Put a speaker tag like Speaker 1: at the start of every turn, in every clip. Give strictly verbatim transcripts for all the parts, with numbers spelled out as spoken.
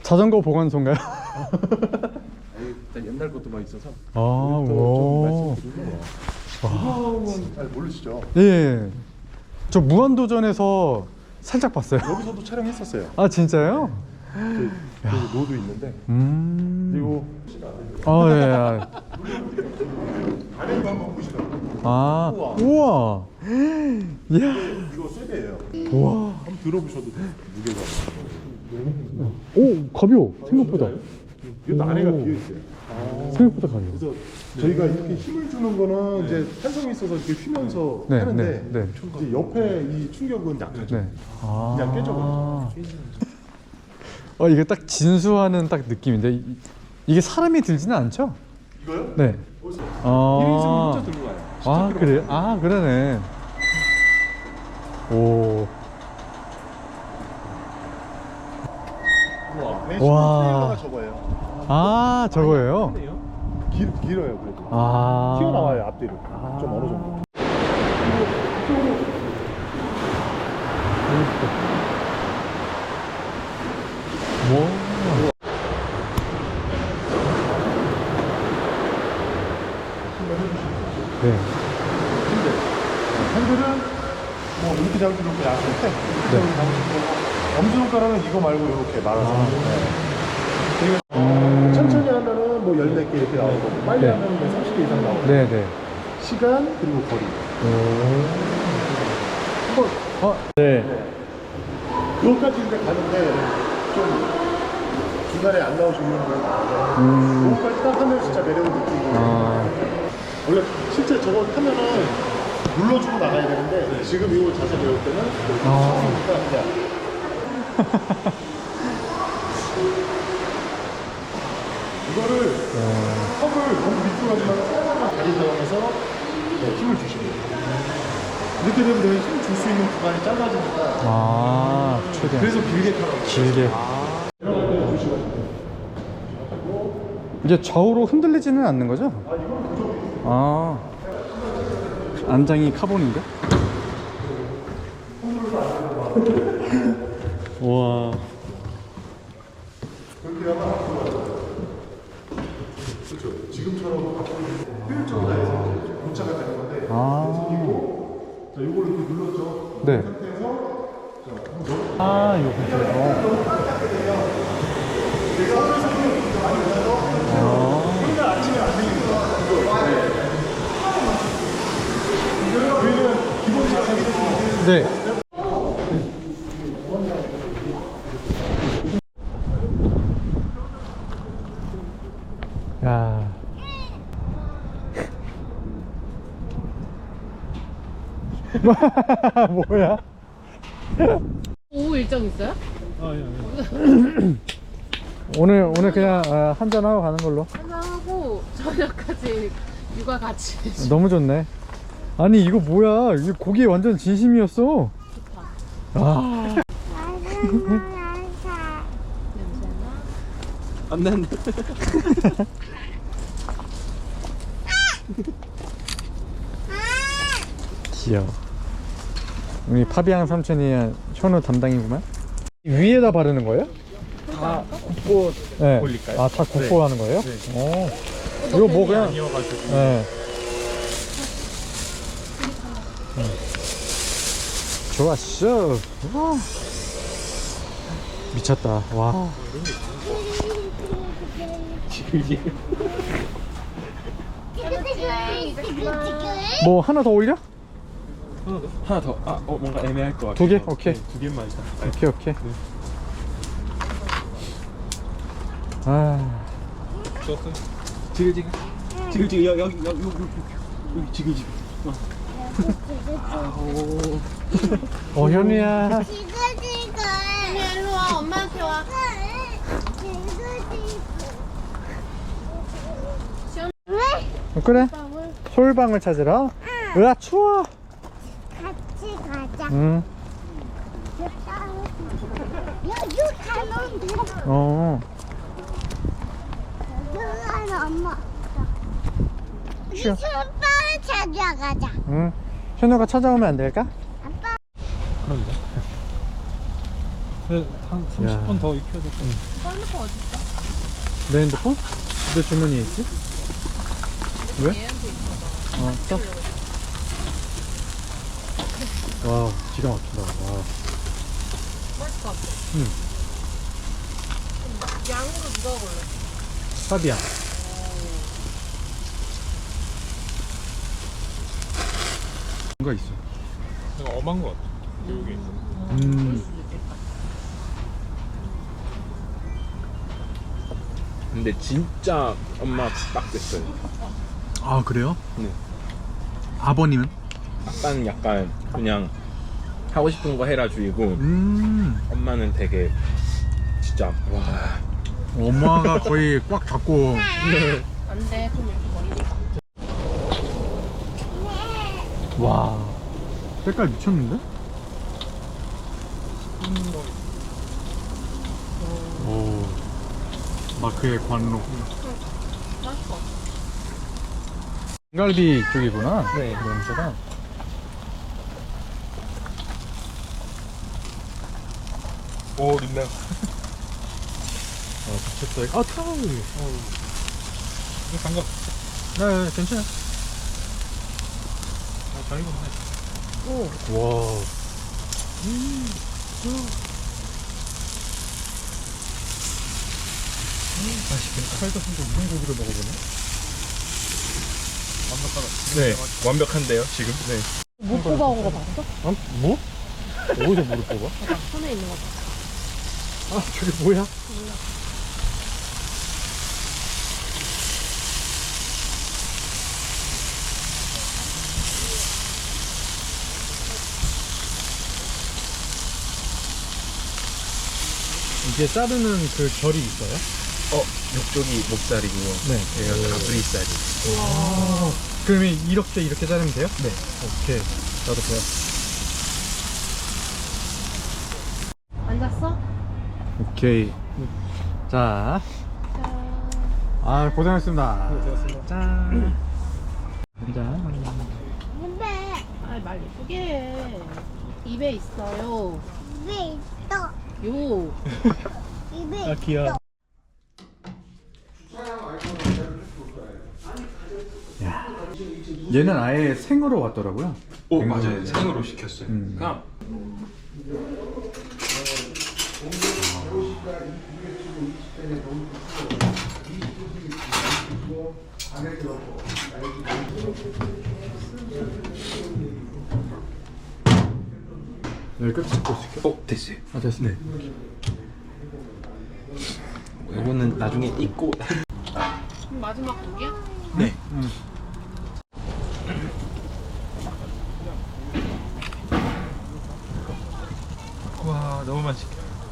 Speaker 1: 자전거 보관소인가요?
Speaker 2: 일단 옛날 것도 막 있어서.
Speaker 1: 아, 오.
Speaker 3: 이거는 잘 모르시죠?
Speaker 1: 예. 저 무한도전에서 살짝 봤어요.
Speaker 3: 여기서도 촬영했었어요.
Speaker 1: 아, 진짜요?
Speaker 3: 그, 그 노도 있는데.
Speaker 1: 음.
Speaker 3: 그리고
Speaker 1: 아, 예. 아.
Speaker 3: 안에도 한번 보시라고.
Speaker 1: 아,
Speaker 3: 우와.
Speaker 1: 우와. 이야.
Speaker 3: 이거 세배예요.
Speaker 1: 우와.
Speaker 3: 한번 들어보셔도 돼요. 무게가.
Speaker 1: 오, 가벼워. 생각보다.
Speaker 3: 이것도 안에가 비어 있어요.
Speaker 1: 생각보다 가벼워.
Speaker 3: 그래서 저희가 이렇게 힘을 주는 거는 이제 탄성이 있어서 이렇게 휘면서
Speaker 1: 네,
Speaker 3: 하는데
Speaker 1: 네, 네.
Speaker 3: 이제 옆에 이 충격은 약하죠.
Speaker 1: 네. 아.
Speaker 3: 그냥 깨져버려요.
Speaker 1: 어, 이게 딱 진수하는 딱 느낌인데 이, 이게 사람이 들지는 않죠?
Speaker 3: 이거요?
Speaker 1: 네. 아.
Speaker 3: 일 인승 혼자 들고 가요.
Speaker 1: 아, 그래요? 아, 그러네. 오.
Speaker 3: 우와. 네,
Speaker 1: 와.
Speaker 3: 트레일러가 저거예요.
Speaker 1: 아, 저거예요?
Speaker 3: 길, 길어요 그래도.
Speaker 1: 아.
Speaker 3: 튀어나와요 앞뒤로. 좀 어느 정도.
Speaker 1: 뭐? 네.
Speaker 3: 핸들은 뭐 이렇게 잡을 수 있고 약한데
Speaker 1: 네.
Speaker 3: 엄지손가락은 이거 말고 이렇게 말아서.
Speaker 1: 아.
Speaker 3: 네.
Speaker 1: 음.
Speaker 3: 천천히 하면은 뭐 열 몇 개 이렇게 나오고 빨리
Speaker 1: 네.
Speaker 3: 하면 뭐 삼십 개 이상 나오고.
Speaker 1: 네, 네.
Speaker 3: 시간 그리고 거리. 한번
Speaker 1: 어, 네.
Speaker 3: 여기까지 이제 가는데 좀 중간에 안 나오시는 분들 나와서
Speaker 1: 음.
Speaker 3: 여기까지 딱 하면 진짜 매력을 느끼고.
Speaker 1: 아.
Speaker 3: 원래 실제 저거 타면은 눌러주고 나가야 되는데 지금 이거 자세 배울 때는
Speaker 1: 아.
Speaker 3: 처음이니까 그냥 이거를 턱을 너무 밑으로 하지만 살짝만 다리 사용해서 네, 힘을 주시면 돼요. 이렇게 되면 내가 힘 줄 수 있는 구간이 짧아지니까
Speaker 1: 아, 최대한.
Speaker 3: 그래서 길게 타라고.
Speaker 1: 길게. 이게 좌우로 흔들리지는 않는 거죠? 아, 안장이 카본인데? 우와.
Speaker 3: 그렇죠. 지금처럼 효율적으로 해서 도착을 되는 건데
Speaker 1: 아.
Speaker 3: 자, 이거를 이렇게 눌렀죠.
Speaker 1: 네.
Speaker 3: 이 상태에서
Speaker 1: 아, 요 상태에서. 네. 야. 뭐야?
Speaker 4: 오후 일정 있어요?
Speaker 1: 오늘 오늘 그냥 아, 한잔 하고 가는 걸로.
Speaker 4: 하고 저녁까지 육아 같이 해줘.
Speaker 1: 너무 좋네. 아니 이거 뭐야? 이 고기 완전 진심이었어.
Speaker 4: 좋다.
Speaker 1: 아.
Speaker 4: 냄새나?
Speaker 2: 안 난다.
Speaker 1: 귀여워. 우리 파비앙 삼촌이 현우 담당이구만. 위에다 바르는 거예요?
Speaker 2: 다 굽고
Speaker 1: 네.
Speaker 2: 올릴까요?
Speaker 1: 아, 다 굽고
Speaker 2: 네.
Speaker 1: 하는 거예요?
Speaker 2: 네.
Speaker 1: 어. 이거 뭐 그냥.
Speaker 2: 아니어가지고.
Speaker 1: 네. 음. 좋았어. 와. 미쳤다. 와.
Speaker 2: 이게
Speaker 1: 뭐 하나 더 올려?
Speaker 2: 하나 더. 아, 어, 뭔가 애매할 것 같아요.
Speaker 1: 두 개? 오케이.
Speaker 2: 네, 두 개만 일단.
Speaker 1: 오케이 오케이. 아.
Speaker 2: 좋았어요. 지글지글. 지글지글 여기 여기 여기 여기 여기 지글지글. 어. 아오.
Speaker 1: 어, 현우야.
Speaker 5: 지글지글.
Speaker 4: 일로 와, 엄마한테 와.
Speaker 5: 왜?
Speaker 1: 어, 그래. 솔방울 찾으러. 으아 추워.
Speaker 5: 같이 가자.
Speaker 1: 응.
Speaker 5: 여기 가면 돼.
Speaker 1: 어.
Speaker 5: 여기 엄마.
Speaker 1: 쉬어.
Speaker 5: 술빵을 찾아가자.
Speaker 1: 응. 현우가 찾아오면 안 될까?
Speaker 5: 아빠.
Speaker 2: 그런데.
Speaker 3: 한 삼십 분 더 익혀야 될 것 같아.
Speaker 4: 썰리퍼 어딨어?
Speaker 1: 내 핸드폰? 내 주머니에 있지? 왜?
Speaker 4: 얘한테 있어.
Speaker 1: 어, 써. 와, 기가 막힌다. 와.
Speaker 4: 맛있을 것 같아.
Speaker 1: 응.
Speaker 4: 양으로 누가 골라?
Speaker 1: 파비앙. 뭔가 있어.
Speaker 3: 내가 엄한 것 같아. 여기 있어.
Speaker 1: 음.
Speaker 2: 근데 진짜 엄마 빡셌어요.
Speaker 1: 아, 그래요?
Speaker 2: 네.
Speaker 1: 아버님은?
Speaker 2: 아빠는 약간 그냥 하고 싶은 거 해라 주의고
Speaker 1: 음.
Speaker 2: 엄마는 되게 진짜 와.
Speaker 1: 엄마가 거의 꽉 잡고.
Speaker 4: 안 돼. 그럼 이렇게 멀리니까.
Speaker 1: 와. 색깔 미쳤는데? 오. 마크의 관록.
Speaker 4: 맛있을 것 같아.
Speaker 1: 갈비 쪽이구나.
Speaker 2: 네.
Speaker 1: 냄새가.
Speaker 3: 오, 린다.
Speaker 1: 아, 미쳤다. 아, 타올.
Speaker 3: 장갑.
Speaker 1: 네, 괜찮아.
Speaker 3: 어, 잘 익었네.
Speaker 4: 오.
Speaker 1: 와.
Speaker 3: 맛있겠다. 살다 진짜 우동 고기를 먹어보네. 완벽하다.
Speaker 2: 네. 완벽한데요 지금? 네.
Speaker 4: 못 뽑아온 거 봤어?
Speaker 1: 어? 뭐? 어디서 물을 뽑아?
Speaker 4: 아까 손에 있는 거 봤어.
Speaker 1: 아, 저게 뭐야? 이게 자르는 그 결이 있어요?
Speaker 2: 어, 이쪽이 목살이고
Speaker 1: 네.
Speaker 2: 여기가 가브리살이.
Speaker 1: 그러면 이렇게 이렇게 자르면 돼요? 네. 오케이. 나도 배웠어.
Speaker 4: 앉았어?
Speaker 1: 오케이. 자. 아, 고생하셨습니다.
Speaker 3: 고생하셨습니다.
Speaker 1: 짠. 짠.
Speaker 5: 근데
Speaker 4: 아, 말 예쁘게 해. 입에 있어요.
Speaker 5: 입에 있어.
Speaker 4: 요.
Speaker 5: 입에
Speaker 3: 아, 귀여워.
Speaker 5: 있어.
Speaker 1: 얘는 아예 생으로 왔더라고요.
Speaker 2: 오
Speaker 1: 생으로.
Speaker 2: 맞아요. 생으로 시켰어요.
Speaker 1: 음.
Speaker 2: 그냥
Speaker 1: 여기 끝 잡고 있을게요.
Speaker 2: 어 됐어요.
Speaker 1: 아, 됐어. 네.
Speaker 2: 이거는 나중에 익고.
Speaker 4: 그럼 마지막 고기야?
Speaker 2: 네.
Speaker 1: 응.
Speaker 3: 와, 너무 맛있게.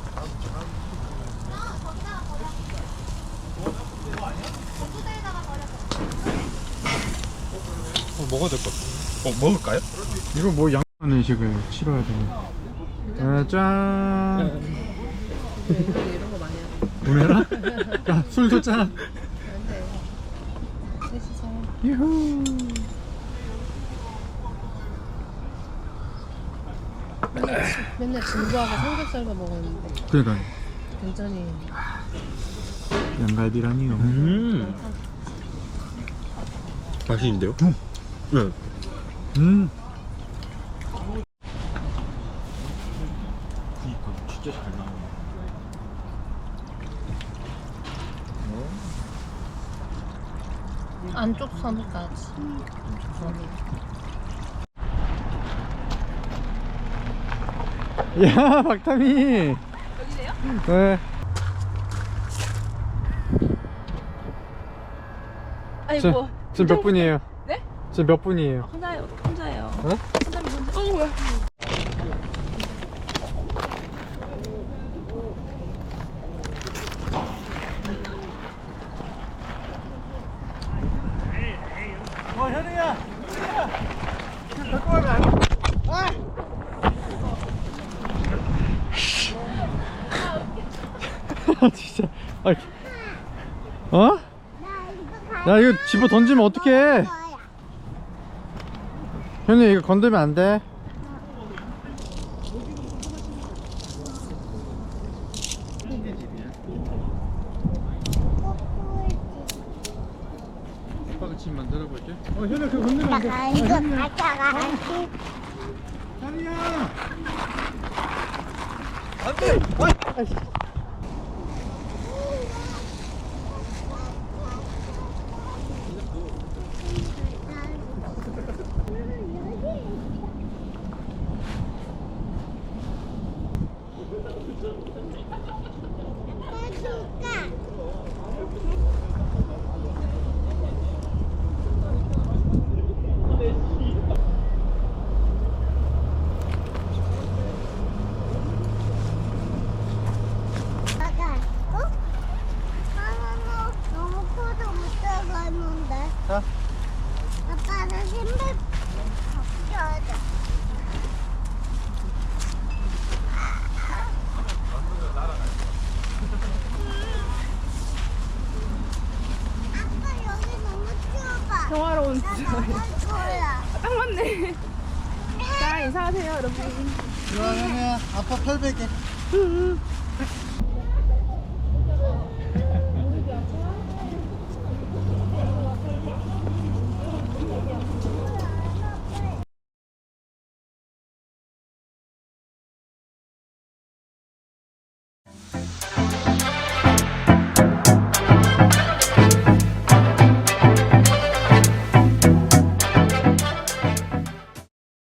Speaker 3: 어, 먹어야 될 것 같아. 어, 먹을까요?
Speaker 1: 이거 뭐 양념 식을 치러야 되네. 아, 짠.
Speaker 4: 왜 이런 거 많이 하는
Speaker 1: 보내라? 야, 술도 짠.
Speaker 4: 안 돼. 셋이서.
Speaker 1: 유후.
Speaker 4: 맨날, 지- 맨날 진부하고 삼겹살만 먹었는데
Speaker 1: 그러니까
Speaker 4: 굉장히
Speaker 1: 양갈비라니요.
Speaker 2: 음. 맛있는데요?
Speaker 1: 음.
Speaker 2: 네.
Speaker 1: 음.
Speaker 2: 그니까 진짜 잘 나오네.
Speaker 4: 안쪽 선까지.
Speaker 1: 야, 박탐이. 여기세요? 네.
Speaker 6: 아니
Speaker 1: 저,
Speaker 6: 뭐
Speaker 1: 지금 몇 분이에요?
Speaker 6: 네?
Speaker 1: 지금 몇 분이에요?
Speaker 6: 혼자요 혼자예요.
Speaker 1: 어?
Speaker 6: 혼자면 혼자. 어 뭐야?
Speaker 1: 어, 현우야. 갖고 가면 안 돼. 아, 진짜. 아, 어?
Speaker 5: 나 이거
Speaker 1: 야, 이거 집어 던지면 어떡해?
Speaker 5: 거야.
Speaker 1: 현우 이거 건들면 안 돼. 다시 만들어 볼게. 어 현아 그거 건드면 안 돼.
Speaker 5: 나 이거 가져가야지.
Speaker 3: 다리야.
Speaker 5: 해줄까? 아가, 어? 하나는 너무 커서 못 들어가는데.
Speaker 2: 자.
Speaker 5: 아빠는 신발 벗겨야 돼. 아빠 여기 너무 추워봐.
Speaker 6: 평화로운
Speaker 5: 나 나갈 거야.
Speaker 6: 딱 맞네. 자, 인사하세요, 여러분.
Speaker 2: 그러면 아빠 팔 베개.